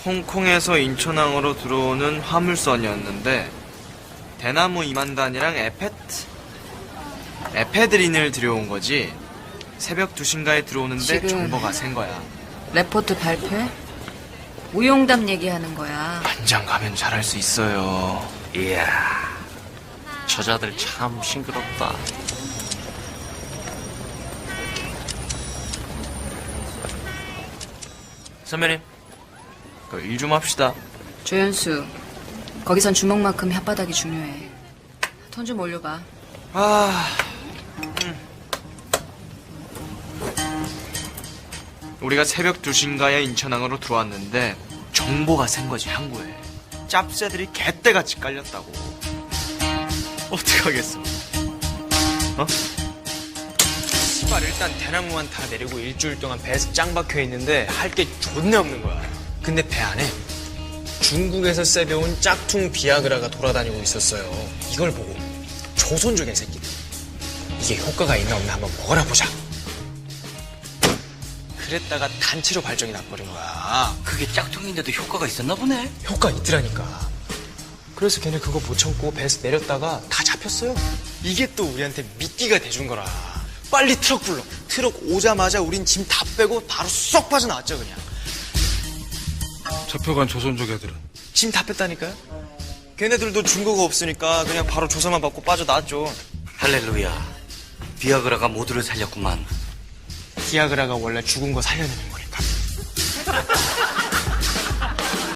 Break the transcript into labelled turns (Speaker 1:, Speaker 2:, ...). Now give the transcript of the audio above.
Speaker 1: 홍콩에서 인천항으로 들어오는 화물선이었는데 대나무 2만 단이랑 에페드린을 들여온 거지. 새벽 2시인가에 들어오는데
Speaker 2: 지금
Speaker 1: 정보가 센 거야.
Speaker 2: 레포트 발표해? 우용담 얘기하는 거야.
Speaker 1: 반장 가면 잘할 수 있어요.
Speaker 3: 이야, 저자들 참 싱그럽다.
Speaker 1: 선배님, 일 좀 합시다.
Speaker 2: 조연수, 거기선 주먹만큼 혓바닥이 중요해. 돈 좀 올려봐.
Speaker 1: 우리가 새벽 2시인가에 인천항으로 들어왔는데 정보가 센 거지, 항구에. 짭새들이 개떼같이 깔렸다고. 어떡하겠어.
Speaker 4: 씨발, 일단 대나무만 다 내리고 일주일 동안 배에서 짱 박혀 있는데 할 게 존나 없는 거야. 근데 배 안에 중국에서 세배온 짝퉁 비아그라가 돌아다니고 있었어요. 이걸 보고 조선족의 새끼들, 이게 효과가 있나 없나 한번 먹어라 보자. 그랬다가 단체로 발정이 나버린 거야.
Speaker 3: 그게 짝퉁인데도 효과가 있었나 보네.
Speaker 4: 효과 있더라니까. 그래서 걔네 그거 못 참고 배에서 내렸다가 다 잡혔어요. 이게 또 우리한테 미끼가 돼준 거라. 빨리 트럭 불러. 트럭 오자마자 우린 짐 다 빼고 바로 쏙 빠져나왔죠, 그냥.
Speaker 5: 잡혀간 조선족 애들은
Speaker 4: 짐 다 뺐다니까요? 걔네들도 증거가 없으니까 그냥 바로 조사만 받고 빠져나왔죠.
Speaker 3: 할렐루야, 비아그라가 모두를 살렸구만.
Speaker 4: 비아그라가 원래 죽은 거 살려내는 거니까.